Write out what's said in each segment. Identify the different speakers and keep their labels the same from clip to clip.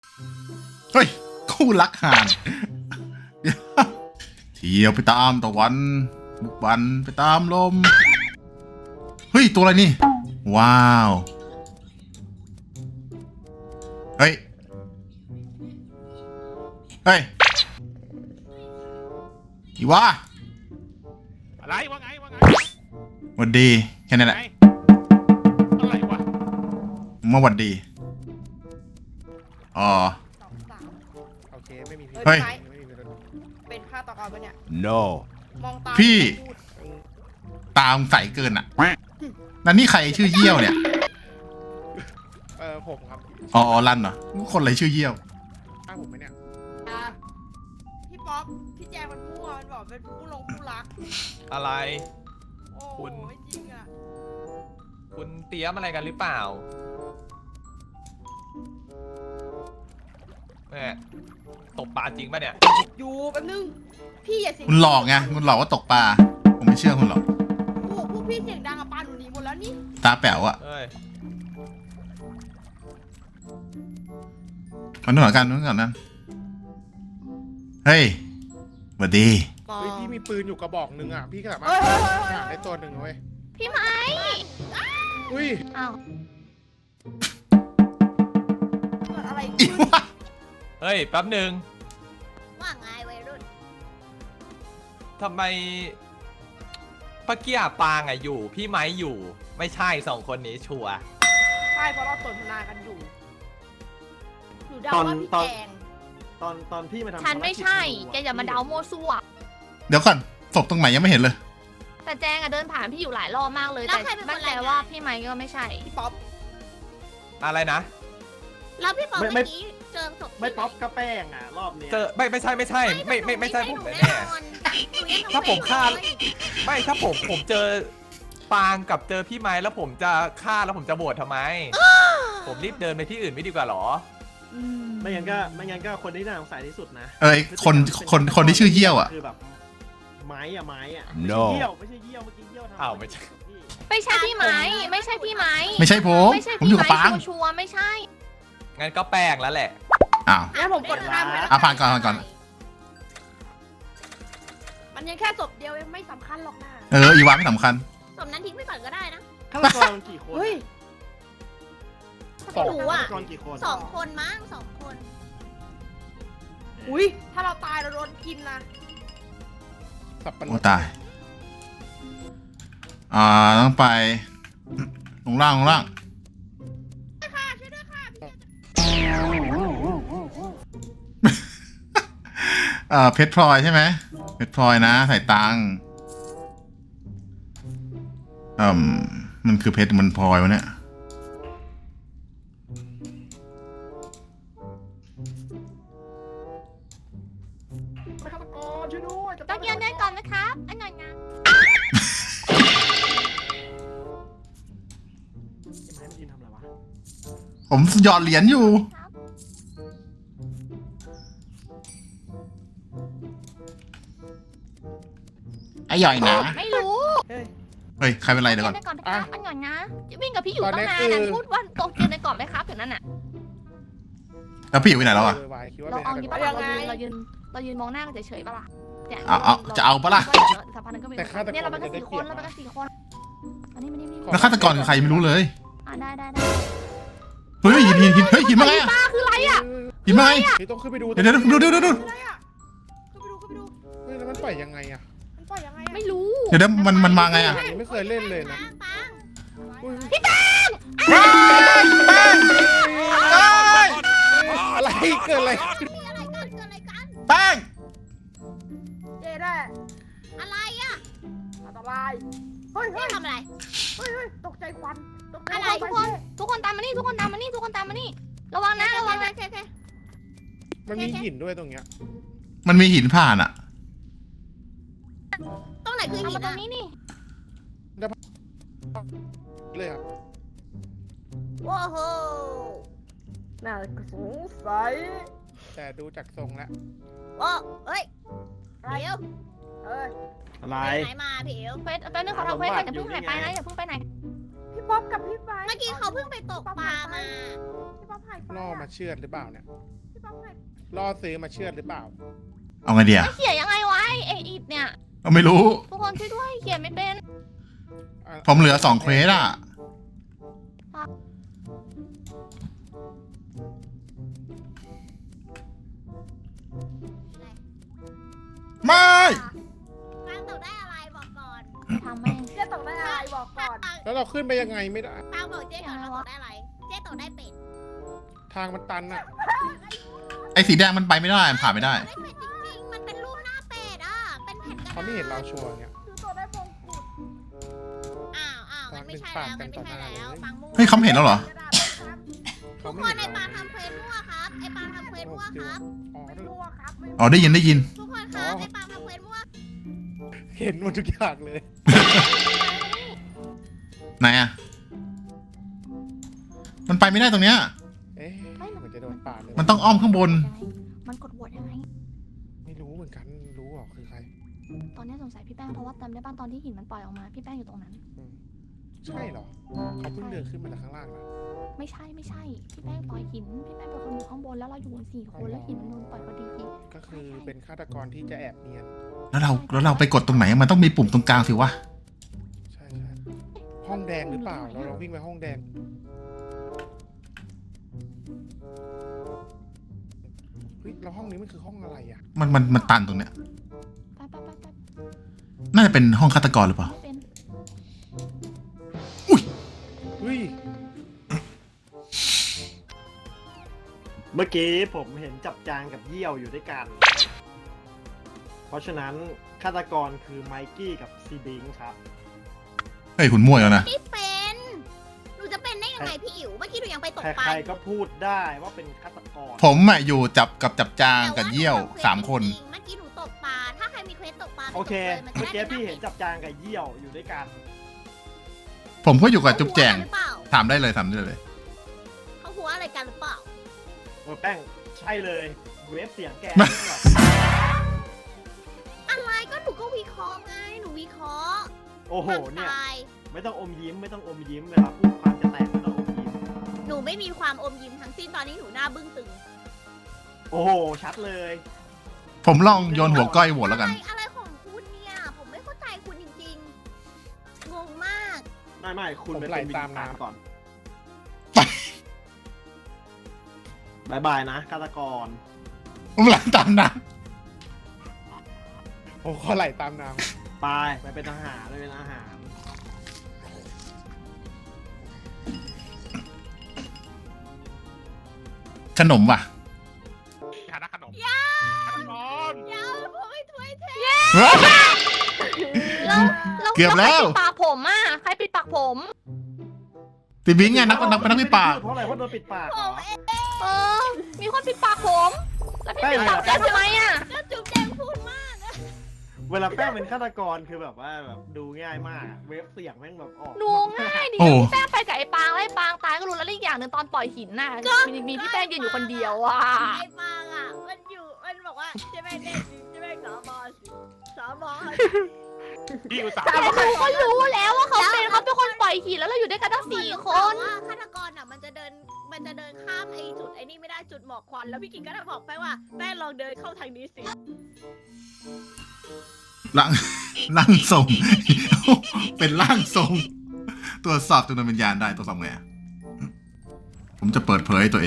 Speaker 1: เฮ้ยคู่รักห่านเที่ยวไปตามตะวันบุกบันไปตามลมเฮ้ยตัวอะไรนี่ว้าวเฮ้ยอีวะ
Speaker 2: อะไรว่าไง
Speaker 1: หวัดดีแค่นั้นแหละ
Speaker 2: อะไรวะ
Speaker 1: มาหวัดดีอ๋อ
Speaker 2: โอเคไม่มีพิษ
Speaker 1: เฮ้ย
Speaker 2: ไม่มีพิษ
Speaker 3: เป็นฆาตกรปะเนี่ย
Speaker 4: No
Speaker 3: มองตา
Speaker 1: พี่
Speaker 3: พูด
Speaker 1: ตามใสเกินอ่ะนั่นนี่ใครชื่อเยี่ยวเนี่ย
Speaker 2: ผมครับ
Speaker 1: อ๋อรันเหรอคนอะไรชื่อเยี่ยว
Speaker 2: ข้างผมไหมเนี่ย
Speaker 3: อ่ะพี่ป๊อปพี่แจงมันมั่วมันบอกเป็นผู้รัก
Speaker 5: อะไร
Speaker 3: โอ้
Speaker 5: คุณ
Speaker 3: ยจริงอ่ะ
Speaker 5: คุณเตรียมอะไรกันหรือเปล่าแม่ตกปลาจริงป่ะเนี่ย
Speaker 3: อยู่แป๊บนึงพี่อย่าเสียง
Speaker 1: คุณหลอกไงคุณหลอกว่าตกปลาผมไม่เชื่อคุณหรอก
Speaker 3: พวกพี่เสียงดังอะปลาหนูหนีหมดแล้วนี่
Speaker 1: ตาแป๋วอะ
Speaker 5: เอ้ย
Speaker 1: มันนู่นกันนู่นกันนั่นเฮ้ยสวัสดี
Speaker 2: เฮ้ยพี่มีปืนอยู่กระบอกหนึ่งอ่ะพี่ก็สามารถ
Speaker 3: เฮ้ย
Speaker 2: หาได้ตัวหนึ่งเว้ย
Speaker 6: พี่ไม้
Speaker 2: อุ้ย
Speaker 6: อ้าว
Speaker 3: เกิดอะไร
Speaker 1: อี
Speaker 3: ขึ้น
Speaker 1: วะ
Speaker 5: เฮ้ยแป๊บหนึ่ง
Speaker 6: ว่าไงวัยรุ่น
Speaker 5: ทำไมป้าเกียปางอะอยู่ พี่ไม้อยู่ ไม่ใช่สองคนนี้ชัวร์
Speaker 3: ใช่เพราะเราสนทนากันอยู่หนูเดาว่าพี่แจง
Speaker 7: ตอนพี่มาทำ
Speaker 6: ฉันไม่ใช่ แกอย่ามาเดาโมวซั่ว
Speaker 1: เดี๋ยวก่อนศพตรงไหนยังไม่เห็นเลย
Speaker 6: แต่แจงอะเดินผ่านพี่อยู่หลายรอบมากเลย
Speaker 8: แล้ว
Speaker 6: แต่
Speaker 8: ใครเป็นคน
Speaker 6: มั่นใจ
Speaker 8: รายงาน
Speaker 6: ว่าพี่ไม้ก็ไม่ใช่
Speaker 3: พี่ป๊อป
Speaker 5: อะไรนะ
Speaker 8: แล้วพี่ป๊อปเมื่อกี้เจอศพ
Speaker 7: ไม่ป๊อปก็แป้งอ่ะรอบเนี้ย
Speaker 5: เจอไม่ใช่ไม่ใช่ผมแน่ ถ้าผมฆ่า ๆไม่ถ้าผมเจอปางกับเจอพี่ไม้แล้วผมจะฆ่าแล้วผมจะโหวตทำไม ผมรีบเดินไปที่อื่นไม่ดีกว่าหรอ
Speaker 7: ไม่งั้นก็คนที่น่าสงสัยที่สุดนะ
Speaker 1: เอ้ยคนที่ชื่อเยี่ยวอะ
Speaker 7: คือแบบไม้อะ
Speaker 4: No
Speaker 7: ไม่ใช่เยี่ยวเมื่อกี้เยี่ยวทำ
Speaker 5: อ้าวไม่ใช่
Speaker 6: ไม่ใช่พี่ไม้ไม่ใช่พี่ไม้
Speaker 1: ไม่ใช่ผม
Speaker 6: ไม่ใช่
Speaker 1: ผม
Speaker 6: พี่
Speaker 1: อยู่กับ
Speaker 6: ไม้
Speaker 1: ปาง
Speaker 6: ชัวร์ๆไม่ใช่
Speaker 5: งั้นก็แป้งแล้วแหละ
Speaker 1: อ้าว
Speaker 3: งั้นผมกดข้ามไปแล้ว
Speaker 1: อ่ะผ่านก่อน
Speaker 3: มันยังแค่ศพเดียวเองไม่สำคัญหรอกนะ
Speaker 1: อีวาไม่สำคัญ
Speaker 8: ศพนั้นทิ้งไปก่อนก็ได้นะ
Speaker 7: ฆาตกรกี่คน
Speaker 3: เฮ้ย
Speaker 8: ไม่รู้อ่ะ
Speaker 7: ฆาตกรกี่คน
Speaker 8: 2 คนมั้ง2 คน
Speaker 3: อุ้ยถ้าเราตายเราโดนกินนะ
Speaker 2: สับปะร
Speaker 1: โอ้
Speaker 2: ด
Speaker 1: ตายต้องไปลงล่างเพชรพลอยใช่ไหมเพชรพลอยนะใส่ตังค์มันคือเพชรมันพลอยวะเนี่ย
Speaker 3: ฆาตกรช่วยด้วย
Speaker 6: ต้องยืนเดินก่อนนะครับอันหน่อยนะ
Speaker 7: ไม้มันยืนทำอะไรวะ
Speaker 1: ผมหยอดเหรียญอยู่ ไอ้ย่อยนะ
Speaker 6: ไม่รู้
Speaker 1: เฮ้ย ใครเป็นไรเดี๋ยวก่อน
Speaker 6: เดินก่อนนะครับอันหน่อยนะวิ่งกับพี่อยู่ตั้งนานนะพูดว่าตกเดินในกรอบไหมครับอย่างนั้นน่ะ
Speaker 1: แล้วพี่อยู่ไปไหนแล้วอะ
Speaker 2: วายคิดว่า
Speaker 6: เรา
Speaker 2: เป็น
Speaker 6: เอา
Speaker 2: ฆาต
Speaker 6: งี้
Speaker 2: ก
Speaker 6: ปะ
Speaker 2: ร
Speaker 6: เรายืนมองหน้ากันเฉยๆปะล่ะเนี่ย
Speaker 1: เอาจะเอาปะล่ะ
Speaker 6: สักพักนึงก็มี
Speaker 2: แต่ฆาตกร
Speaker 6: เนี่ยเราไปกัน
Speaker 2: จะได้
Speaker 6: 4
Speaker 2: เป
Speaker 6: ค
Speaker 2: รีย
Speaker 6: น
Speaker 2: บ
Speaker 6: เราไปกัน4 คนอันนี้นี่
Speaker 1: แล้วฆาตกรคือใครไม่รู้เลย
Speaker 6: ได้
Speaker 1: เฮ้ยหินเฮ้ยหินมาไงอะ
Speaker 6: ป้าคืออะไรอ่ะ
Speaker 1: หินมาไง
Speaker 2: นี่ต้องขึ้นไปดู
Speaker 1: เดี๋ยวดู
Speaker 3: อะไรอ่ะเข้าไปดู
Speaker 2: เฮ้ยแล้วมันปล่อยยังไงอ่ะ
Speaker 3: มันปล่อยยังไงอะ
Speaker 6: ไม่รู้
Speaker 1: เดี๋ยวมันมาไงอะ
Speaker 2: อันนี้ไม่เคยเล่นเลยนะ
Speaker 8: ปัง
Speaker 2: อุ้ย
Speaker 1: เอ้ย
Speaker 2: อะไรเกิดอะไร
Speaker 8: เกิดอะไรกัน
Speaker 1: แป้ง
Speaker 3: เจ๊ได้
Speaker 8: อะไรอ่ะ
Speaker 3: อันตรายเฮ้ย
Speaker 8: นี่ทำอะไร
Speaker 3: เฮ้ยตกใจควันตกใจ
Speaker 8: อะไร
Speaker 3: ควัน
Speaker 6: ทุกคนตามมานี่ระวังนะระวังนะ
Speaker 8: โอเค
Speaker 2: มันมีหินด้วยตรงเนี้ย
Speaker 1: มันมีหินผ่านอะ
Speaker 8: ตรงไหนคือ
Speaker 6: เอา
Speaker 8: หิ
Speaker 6: มาน ตร
Speaker 8: อ่ะ
Speaker 6: งนี้นี่
Speaker 2: เลยครับ
Speaker 8: ว้าวโห
Speaker 3: น่าสงสัย
Speaker 2: แต่ดูจากทรงแล้ว
Speaker 8: ว้าวเฮ้ยเดี๋ยว
Speaker 3: เอ้ย
Speaker 7: อะไร
Speaker 8: ไหนมาพี่เอ๋ว
Speaker 6: เควสแป๊บนึงขอทำเควสก่อนอย่าเพิ่งหายไปนะอย่าเพิ่งไปไหน
Speaker 3: พี่ป๊อปกับพี่ไม้
Speaker 8: เมื่อกี้เขาเพิ่งไปตกปลามา
Speaker 3: พี่ป๊อปหายไป
Speaker 2: ล่อมาเชือดหรือเปล่าเนี่ย
Speaker 3: พี่ป๊อปหาย
Speaker 2: ล่อซื้อมาเชือดหรือเปล่า
Speaker 1: เอาไงเดีย
Speaker 6: เขียนยังไงวะไออิดเนี่ย
Speaker 1: เอาไม่รู้
Speaker 6: ทุกคนช่วยด้วยเขียนไม่เป็น
Speaker 1: ผมเหลือ2 เควสอ่ะ ไม่
Speaker 8: ปังตกได้อะไรบอกก่อน
Speaker 6: ทำแม่ง
Speaker 3: เจ๊ตกได้อะไรบอกก่อน
Speaker 2: แล้วเราขึ้นไปยังไงไม่ได้
Speaker 8: ปังบอกเจ๊ก่อนเราตกได้อะไร เจ๊ตกได้เป็ด
Speaker 2: ทางมันตันอะ
Speaker 1: ไอ้สีแดงมันไปไม่ได้มันผ่านไม่ได้
Speaker 8: ได้เป็ดจริงๆ มันเป็นรูปหน้าเป็ดอ่ะ เป็นแผ่นกระดาษ
Speaker 2: เขาไม่เห็นเราชัวร์เนี่ย
Speaker 3: คือตัวได้มงกุฎ
Speaker 8: อ้าวมันไม่ใช่แล้วมันไม่ใช่แล้วปังมั่ว
Speaker 1: เฮ้ยเขาเห็นแล้วเหรอ
Speaker 3: กระดาษครับ
Speaker 2: เขา
Speaker 8: ทุก
Speaker 2: ไม่
Speaker 8: คน
Speaker 2: เห็น
Speaker 8: ไอ้
Speaker 2: เรา
Speaker 8: ปางทำเควสมั่วครับ ไอ้ปางทำเควสมั่วครับ
Speaker 2: อ๋อ
Speaker 3: ไม่รู้อะครับไม่รู้
Speaker 1: อ๋อได้ยิน
Speaker 8: ทุกคนครับไอ้ปางทำเควสมั่ว
Speaker 2: เห็นหมดทุกอย่างเลย
Speaker 1: ไหนอ่ะ มันไปไม่ได้ตรงเนี้ย
Speaker 2: เอ๊ะเหมือนจะโดนปาดเลย
Speaker 1: มันต้องอ้อมข้างบน
Speaker 6: มันกดโหวตยังไง
Speaker 2: ไม่รู้เหมือนกัน รู้เหรอคือใคร
Speaker 6: ตอนนี้สงสัยพี่แป้งเพราะว่าจำได้บ้านตอนที่หินมันปล่อยออกมาพี่แป้งอยู่ตรงนั้น
Speaker 2: ใช่เหรอ เขาเพิ่งเดินขึ้นมาจากข้างล่างนะ
Speaker 6: ไม่ใช่พี่แป้งปล่อยหินพี่แป้งเป็นคนอยู่ข้างบนแล้วเราอยู่กัน4 คนแล้วหินมันโดนปล่อยพอดี
Speaker 2: ก็คือเป็นฆาตกรที่จะแอบเนียน
Speaker 1: แล้วเราไปกดตรงไหน มันต้องมีปุ่มตรงกลางสิวะ
Speaker 2: ใช่ห้องแดงหรือเปล่า เราลองวิ่งไปห้องแดง เฮ้ยแล้วห้องนี้มันคือห้องอะไรอ่ะ
Speaker 1: มันตันตรงเนี้ย
Speaker 6: ไป
Speaker 1: น่าจะเป็นห้องฆาตกรหรือเปล่า
Speaker 6: ไม่เป็น
Speaker 2: เฮ้ย
Speaker 7: เมื่อกี้ผมเห็นจับจางกับเยี่ยวอยู่ด้วยกัน เพราะฉะนั้นฆาตกรคือไมกี้กับซีบิงครับ
Speaker 1: เฮ้ยคุณมั่วแล้วนะ
Speaker 8: ไม่เป็น หนูจะเป็นได้ยังไงพี่อิ๋ว เมื่อกี้หนูยังไปตกปลา
Speaker 7: ใครๆก็พูดได้ว่าเป็นฆาตกร
Speaker 1: ผมอ่ะอยู่จับจางกับเยี่ยว3 คน
Speaker 8: เมื่อกี้หนูตกปลา ถ้าใครมีเควสตกปลา
Speaker 7: โอเค
Speaker 8: มัน
Speaker 7: เมื่อ
Speaker 8: จะ
Speaker 7: กี้
Speaker 8: ได้
Speaker 7: พี่เห็นจับจางกับเยี่ยวอยู่ด้วยกัน
Speaker 1: ผมก็อยู่กับจุ๊บแจง
Speaker 8: หรือเปล่า
Speaker 1: ถามได้เลย
Speaker 8: เขาหัวอะไรกันหรือเปล่า
Speaker 7: โอ้แป้งใช่เลยเวฟเสียงแก
Speaker 8: อะไรก็หนูก็วิเคราะห์ไง หนูวิเคราะห์
Speaker 7: โอ้โห
Speaker 8: ความ
Speaker 7: เนี่ย
Speaker 8: ตาย
Speaker 7: ไม่ต้องอมยิ้มเวลาพูดความจะแตกไม่ต้องอมยิ้ม
Speaker 8: หนูไม่มีความอมยิ้มทั้งสิ้นตอนนี้หนูหน้าบึ้งตึง
Speaker 7: โอ้โหชัดเลย
Speaker 1: ผมลองโยนหัวก้อยโหวตแล้วกัน
Speaker 8: อะไรของคุณเนี่ย ผมไม่เข้าใจคุณจริงๆ งงมาก
Speaker 7: ไม่คุณไป
Speaker 2: ผมไหล
Speaker 7: เป็นวิ
Speaker 2: ตาม
Speaker 7: ญญาณ
Speaker 2: น้ำ
Speaker 7: ก่อนบายบายนะฆาตกร
Speaker 1: ผมหลังตามนะ
Speaker 2: โอ้เขาไหลตามน้
Speaker 7: ไปเป็นทหารไปเป็นอาหาร
Speaker 1: ขนมว่ะ
Speaker 2: ำฐานะขนม
Speaker 8: ยา
Speaker 2: ฆาตกร
Speaker 8: เดี๋ยวผมไม่ถ้วยเท
Speaker 1: เกือบแล้ว
Speaker 6: ใครปิดปากผมอ่ะใครปิดปากผม
Speaker 1: ตีบิงไงนักวิปาก
Speaker 7: เพราะอะไรเพราะโดนปิดปากเหรอ
Speaker 6: เออ มีคนปิดปากผมแล้วพี่ปิดปากแก้ทำไมอ่ะ
Speaker 8: ก็จุ๊บแดงพูดมาก
Speaker 7: เวลาแป้งเป็นฆาตกรคือแบบว่าแบบดูง่ายมากอะเวฟเสียงแม่งแบบออก
Speaker 6: ดูง่ายดิ
Speaker 1: โอ้
Speaker 6: พี่แป้งไปกับไอ้ปางแล้วไอ้ปางตายก็รู้แล้วอีกอย่างหนึ่งตอนปล่อยหินน่ะมีพี่แป้งยืนอยู่คนเดียวอ่ะ
Speaker 8: ไอ้ปางอ่ะ มันบอกว่าใช่ไหมเด็กใช่ไหมสอบอสอบอ
Speaker 2: พี่อุตส่าห์
Speaker 6: แต่หนูก็รู้แล้วว่าเขาเป็นคนปล่อยหินแล้วเราอยู่ด้วยกันทั้ง4 คน
Speaker 8: ว่าฆาตกรอ่ะมันจะเดินข้ามไอ้จุดไอ้นี่ไม่ได้จุดหมอกควันแล้วพี่กิ่งก็ได้บอกไปว่าแป้งลองเดินเข้าทางนี้สิ
Speaker 1: ร่างทรง เป็นร่างทรง ตรวจสอบจำนวนวิญญาณได้ตรวจสอบไงอะผมจะเปิดเผยตัวเอง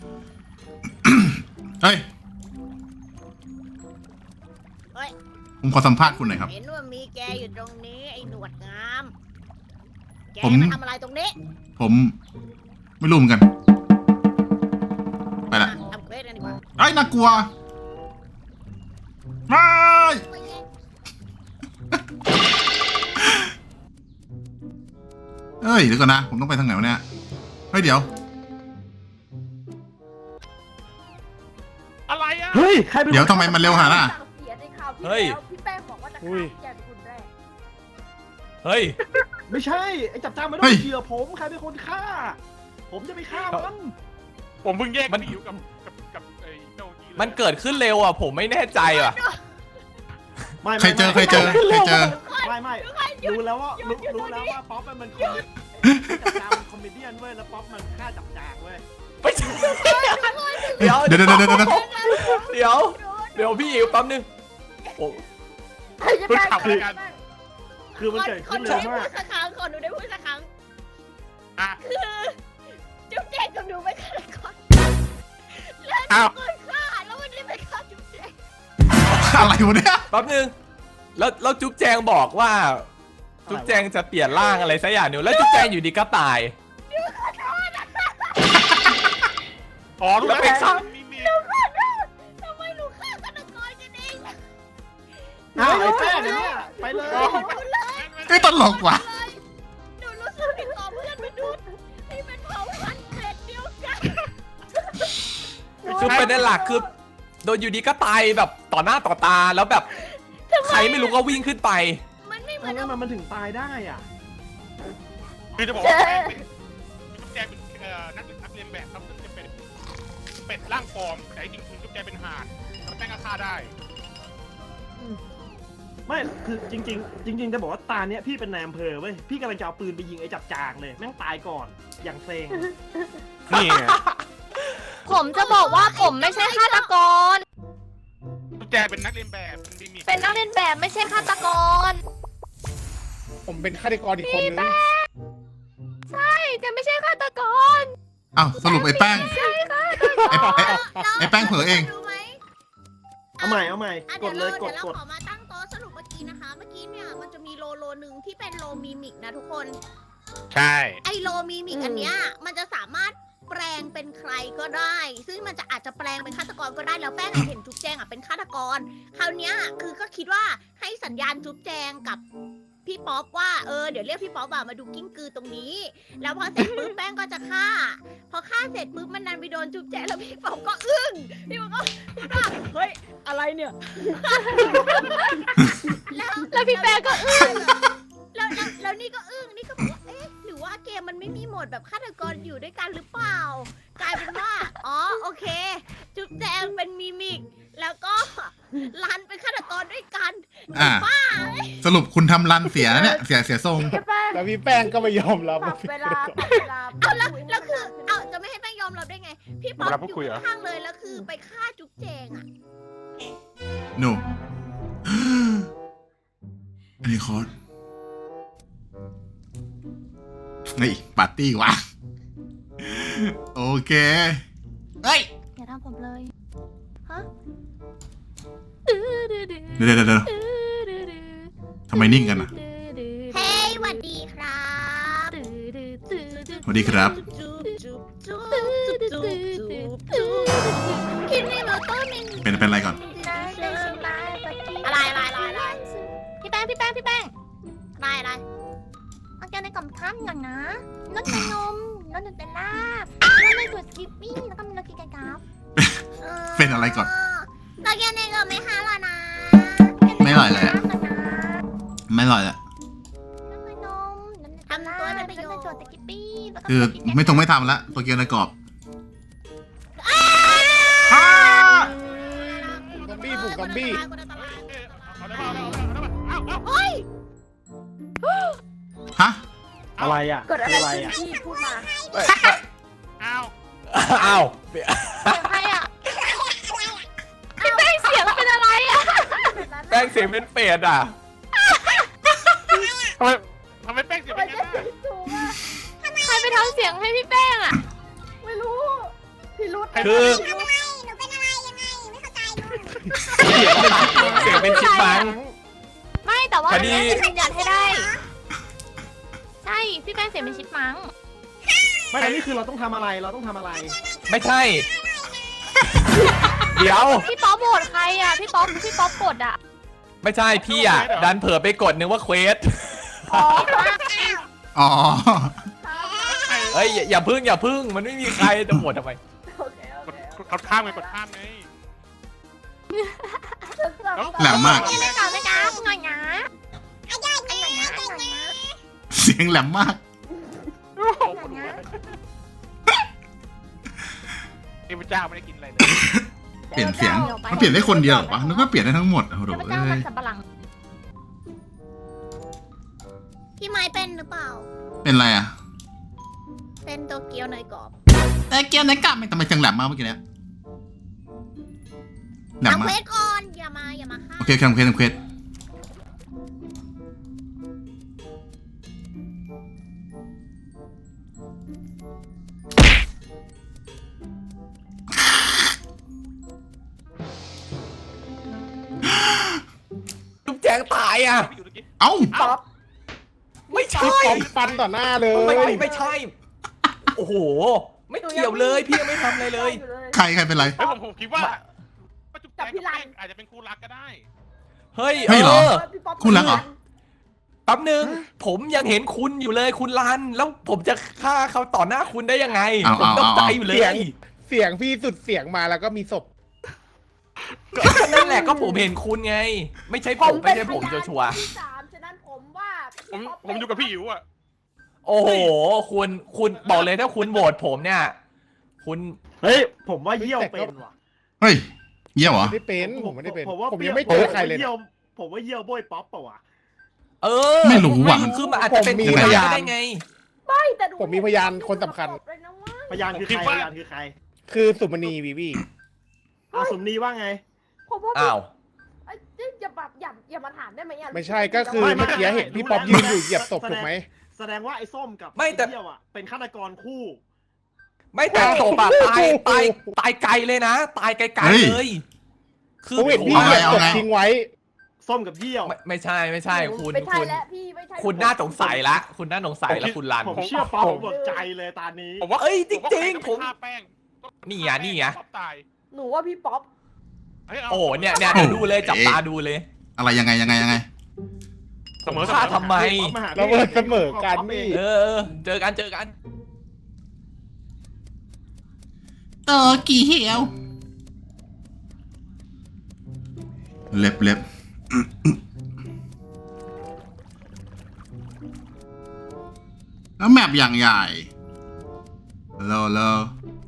Speaker 1: เฮ้ย ผมขอสัมภาษณ์คุณหน่อยครับ
Speaker 8: เห็นว่ามีแกอยู่ตรงนี้ไอ้หนวดงาม แก
Speaker 1: ผม
Speaker 8: มาทำอะไรตรงนี้
Speaker 1: ผมไม่รู้เหมือนกัน ไปละ
Speaker 8: ทำเควสกันดีกว่า
Speaker 1: ไอ้ยน่ากลัว ไม่ เอ้ยเดี๋ยวก่อนนะ ผมต้องไปทางไหนวะเนี่ย เฮ้ยเดี๋ยว
Speaker 2: อะไรอ่ะ
Speaker 7: เฮ้ยใครเป็น
Speaker 1: เดี๋ยวทำไมมันเร็วขนาดนั้นอะ
Speaker 3: สั่งเสียในข่าวที่
Speaker 5: เฮ้ย
Speaker 3: แล้วพี่แป้งบอกว่าจะฆ่าแกเป็นคนแรก
Speaker 5: เฮ้ย
Speaker 7: ไม่ใช่ไอ้จับจ้างไม่ต้อ
Speaker 1: เฮ้
Speaker 7: ง
Speaker 1: ย
Speaker 7: เชื่อผมใครเป็นคนฆ่า ผมจะไปฆ่ามัน
Speaker 2: ผมเพิ่งแยก
Speaker 5: มัน
Speaker 2: พี่อิ๋วกับไอ้เจ้านี่เลย
Speaker 5: มันเกิดขึ้นเร็วอ่ะ ผมไม่แน่ใจอ่ะ
Speaker 7: ไม่
Speaker 1: เคยเจอ
Speaker 7: ไม่
Speaker 1: ไม่
Speaker 7: รู้แล้วว่าป๊อปมันคอมจับจางมันคอมเมเดี้เว้ยแล้วป๊อปมันฆ่าจับจางเว้ย
Speaker 5: ไม่ใช่
Speaker 1: เดี๋ยวเดี๋ยวเดี๋ยวเดี๋ยว
Speaker 5: เดี๋ยวพี่อิ๋วแป๊บนึงโอ้
Speaker 8: จะแป้ง
Speaker 7: คือ คือมันเกิดขึ้นเร็วมาก
Speaker 8: ขอหนูได้พูดสักครั้ง
Speaker 2: อ่ะ
Speaker 8: คือจุ๊บแจงกับหนูไม่ฆ่าก่อน
Speaker 2: อ้าว
Speaker 8: ก่อนฆ่าแล้ววันนี้ไปฆ่าจุ๊บแจง
Speaker 1: อะไรวะเนี่ย
Speaker 5: แป๊บนึงแล้วจุ๊บแจงบอกว่า จุ๊บแจงจะเปลี่ยนร่างอะไรสักอย่างหนึ่งแล้วจุ๊บแจงอยู่ดีก็ตาย
Speaker 2: อ๋อรู้
Speaker 5: แล้ว
Speaker 2: แล้ว
Speaker 5: ไปฆ่า
Speaker 2: มี
Speaker 8: ทำไมหนูฆ่าฆาตกรกันเอง
Speaker 7: อ้าวไอ้แป้งเนี่ยไปเลย
Speaker 1: ไอ้ยตลกว่ะ
Speaker 8: หนูรู้สึกผิดต่อเพื่อนมนุษย์ที่เป็นเผ่าพันธุ์เกรดเดียวกัน
Speaker 5: คือประเด็นหลักคือโดนอยู่ดีก็ตายแบบต่อหน้าต่อตาแล้วแบบใครไม่รู้ก็วิ่งขึ้นไป
Speaker 8: มันไม่เหมื
Speaker 7: ทำ
Speaker 8: อน
Speaker 7: ไมมันถึงตายได้อ่ะ
Speaker 2: คือจะบอกว่าแป้งเป็นจุ๊บแจงเป็นนักเรียนแบบครับซึ่งจะเป็นเป็ดร่างปลอมแต่จริงๆคือจุ๊บแจงเป็นห่านแล้วแป้งก็ฆ่าได้
Speaker 7: ไม่คือจริง ๆ จริง ๆ จะบอกว่าตาเนี้ยพี่เป็นนายอำเภอเว้ยพี่กำลังจะเอาปืนไปยิงไอ้จับจางเลยแม่งตายก่อนอย่างเซ็ง
Speaker 2: นี่ไง
Speaker 6: ผมจะบอกว่าผมไม่ใช่ฆาตกร
Speaker 2: จุ๊บแจงเป็นนักเรียนแบบเป็นมิมิ
Speaker 6: เป็นนักเรียนแบบไม่ใช่ฆาตกร
Speaker 2: ผมเป็นฆาตกรอีกคนนึง
Speaker 6: ใช่จะไม่ใช่ฆาตกร
Speaker 1: อ้าวสรุปไอ้แป้ง
Speaker 6: ใช่ค่ะ
Speaker 1: ไอ้แป้งเผลอเอง
Speaker 8: รู้ไหม
Speaker 7: เอาใหม่เอาใหม่
Speaker 8: อ่ะ
Speaker 7: กดเลยกด
Speaker 8: ดี๋ว
Speaker 7: กด
Speaker 8: เราขอมาตั้งโต๊ะสรุปเมื่อกี้นะคะ เมื่อกี้เนี่ยมันจะมีโลหนึ่งที่เป็นโลมิมิกนะทุกคน
Speaker 2: ใช่
Speaker 8: ไอโลมิมิกอันเนี้ยมันจะสามารถแปลงเป็นใครก็ได้ ซึ่งมันจะอาจจะแปลงเป็นฆาตกรก็ได้แล้วแป้งอะเห็นจุ๊บแจงอะเป็นฆาตกร คราวเนี้ยคือก็คิดว่าให้สัญญาณจุ๊บแจงกับพี่ป๊อปว่าเดี๋ยวเรียกพี่ป๊อปอะมาดูกิ้งกือตรงนี้ แล้วพอเสร็จปุ๊บแป้งก็จะฆ่า พอฆ่าเสร็จปุ๊บมันดันไปโดนจุ๊บแจงแล้วพี่ป๊อปก็อึ้งพี่ป๊อปก็พูดว่าเฮ้ยอะไรเนี่ย
Speaker 6: แล้วพี่แป้งก็อึ้ง
Speaker 8: แล้วนี่ก็อึ้งนี่ก็บอกว่าเอ๊ะหรือว่าเกมมันไม่มีโหมดแบบฆาตกรอยู่ด้วยกันหรือเปล่า กลายเป็นว่าอ๋อโอเค จุ๊บแจงเป็นมิมิก แล้วก็รันเป็นฆาตกรด้วยกัน
Speaker 1: อ่า สรุปคุณทำรันเสียนะเนี่ยเสียทรง
Speaker 2: แล้วพี่แป้งก็ไม่ยอมรับ
Speaker 3: ปรับเวลา
Speaker 8: เอาแล้วคือเอาจะไม่ให้แป้งยอมรับได้ไง พี่ป๊อปอยู่ข้างๆเลยแล้วคือไปฆ่าจุ๊บแจงอ่ะ
Speaker 1: หนู อันนี้คอร์สเฮ้ยปาร์ตี้วะโอเคเฮ้ย
Speaker 6: อย่าทำผมเลย ฮะ
Speaker 1: เดี๋ยวทำไมนิ่งกันอ่ะ
Speaker 8: เฮ้ยสวัสดีครับ
Speaker 1: สวัสดีครับ
Speaker 8: จุ๊บจุ๊บจุ๊บจุ๊บจุ๊บจุ๊บคิดไม่รู้ต้นหนึ่ง
Speaker 1: เป็นอะไรก่อน
Speaker 8: อะไร
Speaker 6: พี่แป้งพี่แป้งพี่แป้ง
Speaker 8: อะไร
Speaker 6: เอาแกในกล่องข้ามก่อนนะรสในนมรสในลาบรสในถั่วสกิปปิ้งแล้วก็มีรสกินไก่กราฟ
Speaker 1: เป็นอะไรก่อน
Speaker 8: ตอนแกเนี่ยก็ไม่ห้าแล้วนะ
Speaker 1: ไม่อร่อยเลยอะ ไม่อร่อยละ
Speaker 6: รสในนมรสในลาบรสในถั่วสกิปปิ้งแล้วก็
Speaker 1: คือ
Speaker 6: รสกินไก่กราฟ
Speaker 1: ไม่ทำละตัวเกียวในกรอบ
Speaker 2: ซอมบี้บุกซอมบี้
Speaker 8: เฮ้ย
Speaker 1: ฮะ
Speaker 7: อะไรอ่ะ
Speaker 3: เกิดอะไร
Speaker 7: คืออะไร
Speaker 3: ขึ้น
Speaker 7: อ่ะ
Speaker 3: พี่พูดมา
Speaker 2: อ้าว
Speaker 5: อ้าว
Speaker 6: เสียงใครอ่ะพี่แป้งเสียงเป็นอะไรอ่ะ
Speaker 5: แป้งเสียงเป็นเป็ดอ่ะ
Speaker 2: ทำไมแป้งเสียงเป็นงั้นน่ะ
Speaker 3: ถูกอ่ะ
Speaker 6: ใครไปทำเสียงให้พี่แป้งอ่ะ
Speaker 3: ไม่รู้พี่รุธ
Speaker 5: คือ เสียงเป็นชิปมัง
Speaker 6: ไม่แต่ว่า
Speaker 5: พอดี
Speaker 6: แป้งจะยืนยันให้ได้ ใช่พี่แป้งเสียงเป็นชิปมัง
Speaker 7: ไม่อันนี้คือเราต้องทำอะไรเราต้องทำอะไร
Speaker 5: ไม่ใช่ เดี๋ยว
Speaker 6: พี่ป๊อปโหวตใครอ่ะพี่ป๊อปกดอ่ะ
Speaker 5: ไม่ใช่พี่อ่ะ ดันเผลอไปกดนึกว่าเควส
Speaker 1: อ๋อ
Speaker 5: เฮ้ยอย่าพึ่งมันไม่มีใครจะโหวตทำไม
Speaker 3: โอเค
Speaker 2: กดข้ามไงกดข้ามไง
Speaker 1: แหลมมาก
Speaker 6: ไม่กล้าไม่กล้าหน่อยนะหน่อยนะ
Speaker 1: เสียงแหลมมาก
Speaker 2: เทพเจ้าไม่ได้กินอะไรเลย
Speaker 1: เปลี่ยนเสียง มันเปลี่ยนได้คนเดียวเหรอวะนึกว่าเปลี่ยนได้ทั้งหมดโอ้โห
Speaker 6: เทพ
Speaker 1: เอ้
Speaker 6: เจ้ามัน
Speaker 1: ย
Speaker 6: สับปะหลัง
Speaker 8: พี่ไม้เป็นหรือเปล่า
Speaker 1: เป็นไรอ่ะ
Speaker 8: เป็นโตเกียวเนยกรอบ
Speaker 1: แต่เกียร์ไหนกลับไม่ทำไมจังแหลมมากเมื่อกี้เนี้ยแหลม
Speaker 8: ทำ
Speaker 1: มา
Speaker 8: เคว
Speaker 1: ก
Speaker 8: สก่อนอย่ามาฆ่า
Speaker 1: โอเคทำเควส
Speaker 5: จุ๊บแจงตายอ่ะ
Speaker 2: อยู่ตะกี้
Speaker 1: เอ้า
Speaker 3: ป๊อป
Speaker 5: ไม่ใช่
Speaker 7: ป๊อปฟันต่อหน้าเลย
Speaker 5: ไม่ใช่ โอ้โห ไม่เกี่ยวเลยพี่ยังไม่ทำอะไรเลย
Speaker 1: ใครเป็นไร
Speaker 2: เฮ้ยผมคิดว่าจุ๊บแจงกับแป้งอาจจะเป็นคู่รักก็ได้
Speaker 5: เฮ้ย
Speaker 1: ไม่เหรอ
Speaker 3: พี่ป๊อป
Speaker 1: คุณรักเหรอ
Speaker 5: แป๊บนึงผมยังเห็นคุณอยู่เลยคุณรัน แล้วผมจะฆ่าเขาต่อหน้าคุณได้ยังไง
Speaker 1: เอา
Speaker 5: ผมตกใจอยู่เล
Speaker 4: เสีย
Speaker 5: ย
Speaker 4: ง เสียงพี่สุดเสียงมาแล้วก็มีศพ
Speaker 5: ก็นั่นแหละก็ผมเห็นคุณไง ไม่ใช่ผมไม่ใช่ผมชัวร์
Speaker 3: ที่สามฉะนั้นผมว่า
Speaker 2: ผมอยู่กับพี่อิ๋วอ่ะ
Speaker 5: ๆโอ้โหคุณบอกเลยถ้าคุณโหวตผมเนี่ย คุณ
Speaker 7: เฮ้ยผมว่าเยี่ยวเป็นว่ะ
Speaker 1: เฮ้ยเยี่ยวเหรอ
Speaker 4: ไม่เป็น ผมไม่ได้เป็น
Speaker 7: ผมว่า
Speaker 4: ผมยังไม่เจอใครเลย
Speaker 7: ผมว่าเยี่ยวโบยป๊อปเปล่าวะ
Speaker 5: เออ
Speaker 1: ไม่รู้ว่ะ
Speaker 5: คือมันอาจจะเป็น
Speaker 4: ผมมี
Speaker 5: คุณ
Speaker 4: พยาน
Speaker 5: ได้ไง
Speaker 3: ไม่แต่ดู
Speaker 4: ผมมีพยานคนสำคัญ
Speaker 3: เลยนะว่า
Speaker 7: พยานคือใครพยานคือใคร
Speaker 4: คือสุมณีวีวี
Speaker 7: อาสมนีว่าไง
Speaker 3: ผมว่า
Speaker 5: อ้าว
Speaker 3: เอ้ยอย่าแบบอย่ามาถามได้ไหมอ่ะ
Speaker 4: ไม่ใช่ก็คือ
Speaker 7: ไม่
Speaker 4: เมื่อกี้เห็นพี่ป๊อปยืนอยู่เหยียบศพถูกไหม
Speaker 7: แสดงว่าไอ้ส้มกับ
Speaker 5: ไม่แต่
Speaker 7: เยี่ยวอ่ะเป็นฆาตกรคู่
Speaker 5: ไม่แต่ศพอะตายไกลเลยนะ ตายไกล
Speaker 1: เฮ้ย
Speaker 5: ๆเลย คือ
Speaker 4: ผมเห็นพี่
Speaker 1: เอา
Speaker 4: เห
Speaker 1: ไง
Speaker 4: ยียบ
Speaker 1: เอา
Speaker 4: ศพ
Speaker 1: ไง
Speaker 4: ทิ้งไว้
Speaker 7: ส้มกับเยี่ยว
Speaker 5: ไม่ใช่คุณ
Speaker 3: ไม่ใช่
Speaker 5: คุณ
Speaker 3: แล้วพี่ไม่ใช่
Speaker 5: คุณน่าสงสัยละ คุณน่าสงสัยละคุณรัน
Speaker 7: ผมเชื่อป๊อปผมหมดใจเลยตอนนี้
Speaker 2: ผมว่า
Speaker 5: เอ้ยจริงๆ
Speaker 2: ผมว่าใคก็
Speaker 5: ผม
Speaker 2: ฆ่าแป้ง
Speaker 5: นี่ไงนี่ไง
Speaker 2: ป๊อปตาย
Speaker 3: หนูว่าพี่ป๊อป
Speaker 2: เฮ้ยา
Speaker 5: โอ้เนี่ยเดี๋ยวดูเลยจับตาดูเลย
Speaker 1: อะไรยังไง
Speaker 2: เสมอ
Speaker 5: ฆ่าทำไม
Speaker 4: เราเบิดเสมอกันนี่
Speaker 5: เออ เจอกัน
Speaker 1: เตอกี่เหี่ยวเล็บแล้วแมปอย่างใหญ่เลอ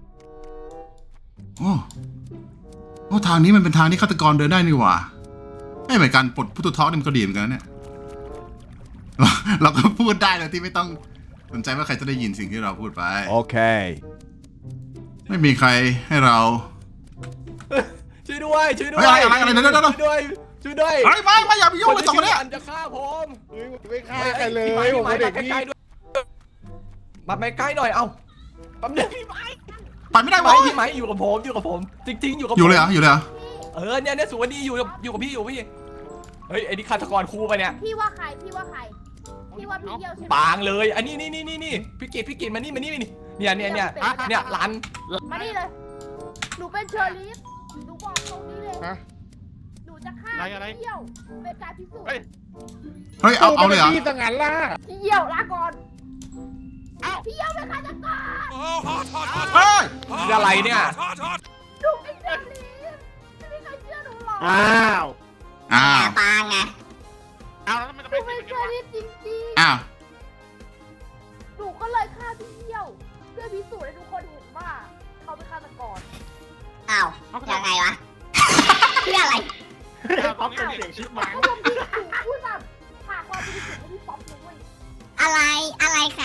Speaker 1: โอ้ทางนี้มันเป็นทางที่ฆาตกรเดินได้นี่หว่าไม่เหมือนกันปลดผู้ตุทอนี่มันก็ดีเหมือนกันนะเนี่ย เราก็พูดได้โดยที่ไม่ต้องสนใจว่าใครจะได้ยินสิ่งที่เราพูดไป
Speaker 9: Okay.
Speaker 1: ไม่มีใครให้เรา
Speaker 5: ช่วยด้วย
Speaker 1: เฮ้ยอะไรเดี๋ยว
Speaker 5: ช่วยด้วย
Speaker 1: เฮ้ยไม่อย่าไปยุ่งกับสองคนเนี้ย
Speaker 5: อันจะฆ่าผม
Speaker 4: เฮ้ยผมไม่ฆ่าใครเลยผมเป็นเด็กนี่
Speaker 5: มาใกล้ๆหน่อยเอ้าแป๊บนึงพี่ไม้
Speaker 1: ไปไม่ได้
Speaker 5: พี่
Speaker 1: วะ
Speaker 5: ไม้อยู่กับผม จริงๆอยู่กับผม
Speaker 1: อยู่เลยเหรอ
Speaker 5: เออเนี่ยสุวรรณีอยู่กับพี่เฮ้ยไอ้นี่ฆาตกรคู่ไปเนี่ย
Speaker 3: พี่ว่าใครพี่ว่าพี่เยี่ยวใช่ไหม
Speaker 5: ปางเลย อันนี้นี่พี่กิตมานี่เนี่ยร้าน
Speaker 3: มานี่เลยหนูเป็นเชอร์ลีฟหนูบอกตรงนี้เลย
Speaker 4: ฮะ
Speaker 3: หนูจะฆ่า
Speaker 2: อะไร
Speaker 3: พี่เยี่ยวเป็นการพิสูจน์
Speaker 2: เฮ้ย
Speaker 1: เฮ้ยเอาเลยเหรอ
Speaker 4: พี่สังหารล่ะ
Speaker 3: พี่เยี่ยวลาก่อน
Speaker 2: เอ้า
Speaker 3: พี่เยี่ยวเป็นฆาตกร
Speaker 2: โอ้โหถอด
Speaker 1: เฮ้ย
Speaker 5: นี่อะไรเนี่ย
Speaker 3: หนูเป็นเชอร์ลีฟไม่มีใครเชื่อหนูหรอก
Speaker 7: อ้าว
Speaker 6: ปางไง
Speaker 2: เอาแล้วมันจะ
Speaker 3: ห
Speaker 2: ไป
Speaker 3: นู
Speaker 2: ติ
Speaker 3: เป็
Speaker 2: ด
Speaker 3: น
Speaker 2: กัน
Speaker 3: เชอ
Speaker 2: วะ
Speaker 3: ร์ลีฟจริง
Speaker 1: อ้าว
Speaker 3: ๆหนูก็เลยฆ่าพี่เยี่ยวเพื่อพิสูจน์ให้ทุกคนเห็นว่าเขาเป็นฆาตกร
Speaker 6: อ้าว ยังไงวะเพื่ออะไร
Speaker 7: ป๊อปเป็นเสียงชิปมัง
Speaker 3: เพราะว่าพี่หนูพูดแบบฝากความบริสุทธิ์ให้พี่ป๊อปเลยเว้ย
Speaker 6: อะไรคะ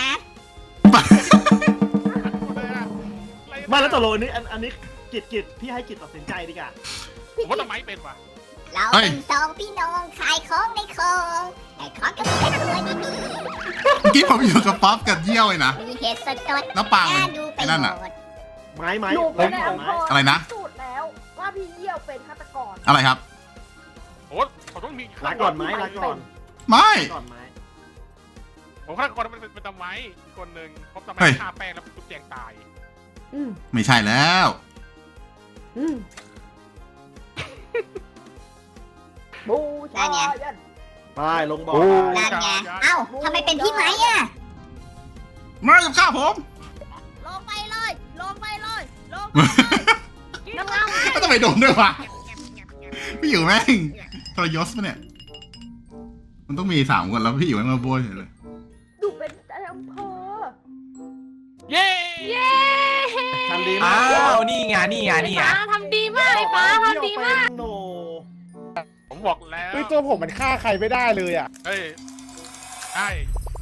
Speaker 7: ไม่แล้วตกลงอันนี้กิจพี่ให้กิจตัดสินใจดีกว่า
Speaker 2: ผมว่าทำไมเป็นวะ
Speaker 6: เราเป็นสองพี่น้องขายของในคลองแต่ของก็เป็นตัวนี้
Speaker 1: เมื่อกี้ผมอยู่กับป๊อปกับเยี่ยวเลยนะ
Speaker 6: มีเหตุสด
Speaker 1: แล้วปางมัน
Speaker 6: น่าดูไป
Speaker 1: ไอ้นั่น
Speaker 6: หม
Speaker 1: อะ
Speaker 6: ด
Speaker 7: ไม้
Speaker 3: หนู
Speaker 7: ผ
Speaker 3: เป็น
Speaker 7: ม
Speaker 3: ใน
Speaker 7: ขอ
Speaker 3: อำ
Speaker 7: ไม้
Speaker 3: เภอ
Speaker 1: อะไรนะ
Speaker 3: พิสูจน์แล้วว่าพี่เยี่ยวเป็นฆาตกร
Speaker 1: อะไรครับ
Speaker 2: โอ้เขาต้องมี
Speaker 7: ลาก่อนไม้ลาก่อน
Speaker 1: ไม่
Speaker 7: ก่อนไม้
Speaker 2: ผมฆ่าคนเป็นตำไม้คนหนึ่งพบตำไม้
Speaker 1: เฮ้ย
Speaker 2: ฆ่าแป้งแล้วจุ๊บแจงตาย
Speaker 1: ไม่ใช่แล้ว
Speaker 3: บูชายัน
Speaker 7: ไปลงบอล
Speaker 6: นั่นไงเอ้าทำไมเป็นพี่ไม้อะ
Speaker 1: มาจะฆ่าผม
Speaker 8: ลงไปเลย
Speaker 3: น้ำเงา
Speaker 1: ก็ต้องไปโดนด้วยวะพี่อยู่แม่งทรยศปะเนี่ย มันต้องมี3 คนแล้วพี่อยู่แม่งมาโบยเลย
Speaker 3: หนูเป็นในอำเภอ
Speaker 2: เย้
Speaker 7: ทำดีมา
Speaker 5: อ้าก วนี่ไง
Speaker 3: ทำดีมากไอ้ฟ้าทำดีมาก
Speaker 7: โน
Speaker 2: ผมบอกแล้ว
Speaker 4: เฮ้ยตัวผมมันฆ่าใครไม่ได้เลยอ่ะ
Speaker 2: เฮ้ยใช่